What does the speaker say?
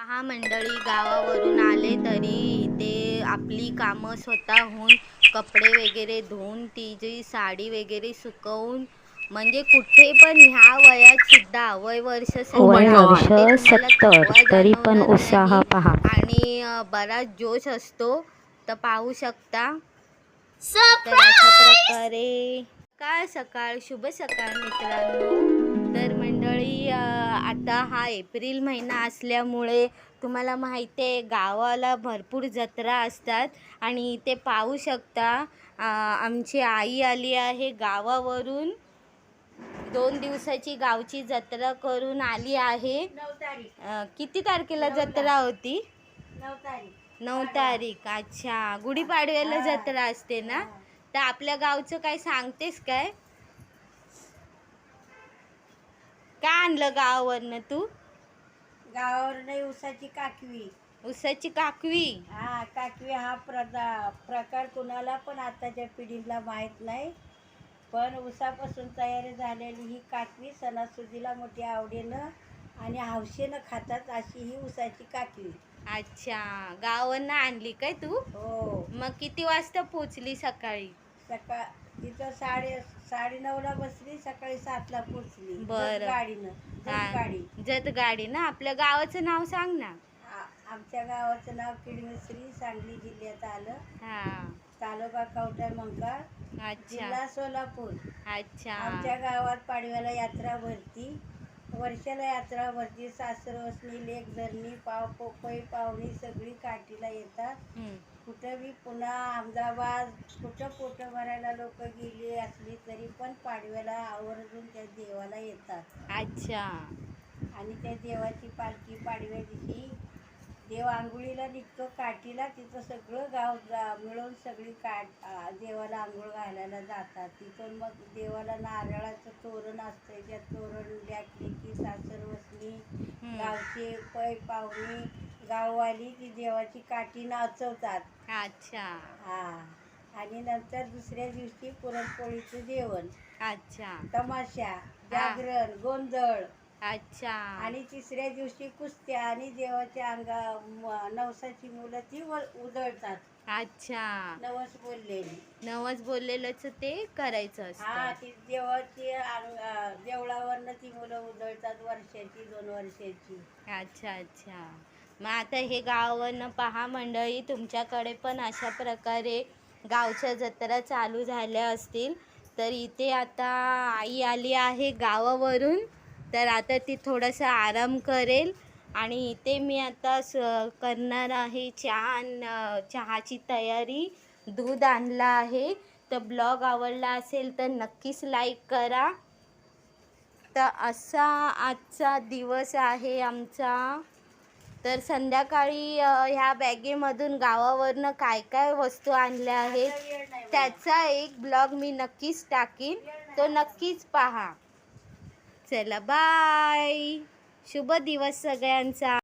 पहा मंडळी, गावावरून आले तरी ते आपली कामं स्वतःहून कपडे वगैरे धुवून तिची साडी वगैरे सुकवून म्हणजे कुठे पण ह्या वयात सुद्धा वय वर्ष वय वर्ष तुम्हाला 70 थकवा तरी पण जाणवणार उत्साह नाही पहा. आणि बराच जोश असतो. तर पाहू शकता. तर अशा प्रकारे सकाळ सकाळ शुभ सकाळ मित्रांनो. तर मंडळी, आता हा एप्रिल महिना असल्यामुळे तुम्हाला माहिती आहे गावाला भरपूर जत्रा असतात आणि इथे पाहू शकता आमची आई आली आहे गावावरून. 2 दिवसाची गावची जत्रा करून आली आहे. 9 तारीख. किती तारखेला जत्रा होती? 9 तारीख. 9 तारीख. अच्छा, गुढीपाडव्याला जत्रा असते ना. तर आपल्या गावचं काय सांगतेस काय? काय आणलं गावावरनं तू? गावावर उसाची काकवी. उसाची काकवी. काकवी हा प्रकार कुणाला पण आताच्या पिढीला माहीत नाही, पण उसापासून तयार झालेली ही काकवी सणासुदीला मोठ्या आवडीनं आणि हौसेनं खातात अशी ही उसाची काकवी. अच्छा, गावावरनं आणली काय तू? हो. मग किती वाजता पोचली सकाळी? तिथं 9:30ला बसली, सकाळी 7ला पोचली. बरं. गाडी जत गाडी ना. आपल्या गावाचं नाव सांग ना. आमच्या गावाचं नाव किडमिसरी, सांगली जिल्ह्यात आलं. हा. तालुका कवठा मंकाळ, अच्छा जिल्हा सोलापूर. अच्छा. आमच्या गावात पाडव्याला यात्रा भरती, वर्षाला यात्रा भरती. सासरवसनी, लेक धरणी, पोपई पाहुणी सगळी काठीला येतात. कुठं बी पुन्हा अहमदाबाद कुठं पोटं भरायला लोक गेली असली तरी पण पाडव्याला आवर्जून त्या देवाला येतात. अच्छा. आणि त्या देवाची पालखी पाडव्या दिवशी देव आंघोळीला निघतो काठीला. तिथं सगळं गाव मिळून सगळी देवाला आंघोळ घालायला जातात. तिथून मग देवाला नारळाचं तोरण असतंय. त्या तोरण द्याकली की सासरवसनी, गावचे पै पाहुणी, गाववाली ती देवाची काठी नाचवतात. अच्छा. आणि नंतर दुसऱ्या दिवशी पुरणपोळीचं जेवण. अच्छा. तमाशा, जागरण, गोंधळ. अच्छा. आणि तिसऱ्या दिवशी कुस्त्या आणि देवाच्या नवसाची मुलं ती उधळतात. अच्छा. नवस बोललेलंच ते करायचं असतं. ती देवाची देवळावरनं ती मुलं उधळतात, वर्षाची 2 वर्षाची. अच्छा अच्छा. मग आता हे गावावरनं पहा मंडळी, तुमच्याकडे पण अशा प्रकारे गावच्या जत्रा चालू झाल्या असतील. तर इथे आता आई आली आहे गावावरून, तर आता ती थोडासा आराम करेल आणि इथे मी आता करणार आहे चहाची तयारी. दूध आणलं आहे. तर ब्लॉग आवडला असेल तर नक्कीच लाईक करा. तर असा आजचा दिवस आहे आमचा. तर संध्याकाळी ह्या बॅगेमधून गावावरनं काय काय वस्तू आणल्या आहेत त्याचा एक ब्लॉग मी नक्कीच टाकीन, तो नक्कीच पहा. चला बाय. शुभ दिवस सगळ्यांचा.